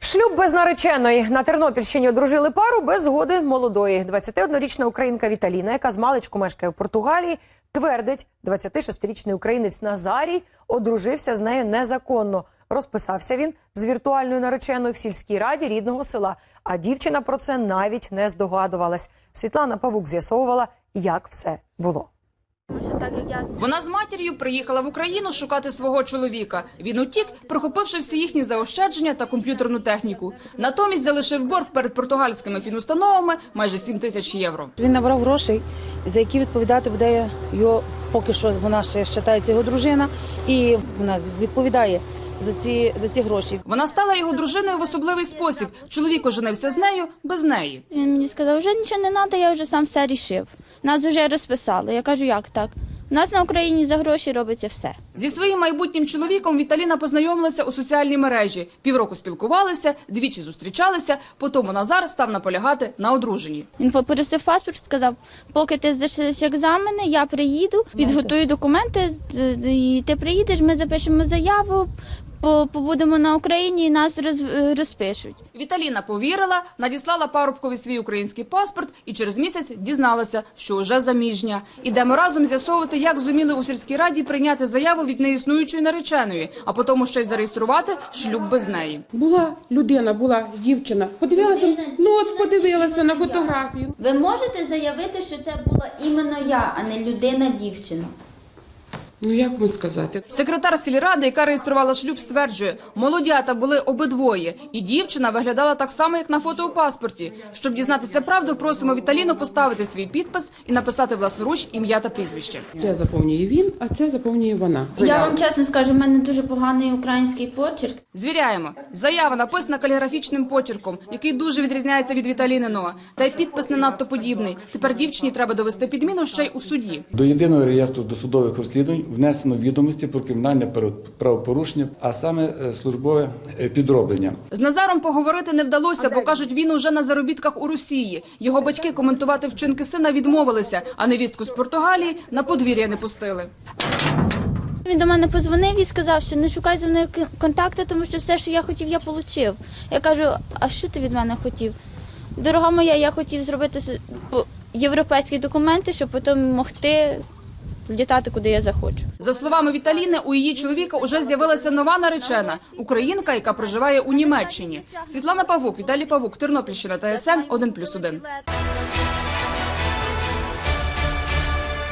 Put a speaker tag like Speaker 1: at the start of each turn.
Speaker 1: Шлюб без нареченої. На Тернопільщині одружили пару без згоди молодої. 21-річна українка Віталіна, яка змалечку мешкає в Португалії, твердить, 26-річний українець Назарій одружився з нею незаконно. Розписався він з віртуальною нареченою в сільській раді рідного села. А дівчина про це навіть не здогадувалась. Світлана Павук з'ясовувала, як все було.
Speaker 2: Вона з матір'ю приїхала в Україну шукати свого чоловіка. Він утік, прихопивши всі їхні заощадження та комп'ютерну техніку. Натомість залишив борг перед португальськими фінустановами майже 7 тисяч євро.
Speaker 3: Він набрав грошей, за які відповідати буде його, поки що вона ще вважається його дружина, і вона відповідає за ці гроші.
Speaker 2: Вона стала його дружиною в особливий спосіб. Чоловік оженився з нею, без неї.
Speaker 4: Він мені сказав, вже нічого не треба, я вже сам все рішив. Нас вже розписали. Я кажу, як так? У нас на Україні за гроші робиться все.
Speaker 2: Зі своїм майбутнім чоловіком Віталіна познайомилася у соціальній мережі. Півроку спілкувалися, двічі зустрічалися, потім Назар став наполягати на одруженні.
Speaker 4: Він попросив паспорт, сказав, поки ти здаш екзамени, я приїду, підготую документи, і ти приїдеш, ми запишемо заяву, побудемо на Україні і нас розпишуть.
Speaker 2: Віталіна повірила, надіслала парубкові свій український паспорт і через місяць дізналася, що вже заміжня. Ідемо разом з'ясовувати, як зуміли у сільській раді прийняти заяву від неіснуючої нареченої, а потім ще й зареєструвати шлюб без неї.
Speaker 5: Була людина, була дівчина. Подивилася на фотографію.
Speaker 4: Ви можете заявити, що це була іменно я, а не людина-дівчина?
Speaker 5: Ну, як вам сказати?
Speaker 2: Секретар сільради, яка реєструвала шлюб, стверджує, молодята були обидвоє, і дівчина виглядала так само, як на фото у паспорті. Щоб дізнатися правду, просимо Віталіну поставити свій підпис і написати власноруч ім'я та прізвище.
Speaker 5: Це заповнює він, а це заповнює вона.
Speaker 4: Я вам чесно скажу, в мене дуже поганий український почерк.
Speaker 2: Звіряємо. Заява написана каліграфічним почерком, який дуже відрізняється від Віталіниного. Та й підпис не надто подібний. Тепер дівчині треба довести підміну ще й у суді.
Speaker 6: До єдиного реєстру досудових розслідувань внесено відомості про кримінальне правопорушення, а саме службове підроблення.
Speaker 2: З Назаром поговорити не вдалося, бо, кажуть, він уже на заробітках у Росії. Його батьки коментувати вчинки сина відмовилися, а невістку з Португалії на подвір'я не пустили.
Speaker 4: Він до мене подзвонив і сказав, що не шукай зі мною контакти, тому що все, що я хотів, я отримав. Я кажу, а що ти від мене хотів? Дорога моя, я хотів зробити європейські документи, щоб потім могти літати, куди я захочу.
Speaker 2: За словами Віталіни, у її чоловіка уже з'явилася нова наречена – українка, яка проживає у Німеччині. Світлана Павук, Віталій Павук, Тернопільщина, ТСН 1+1.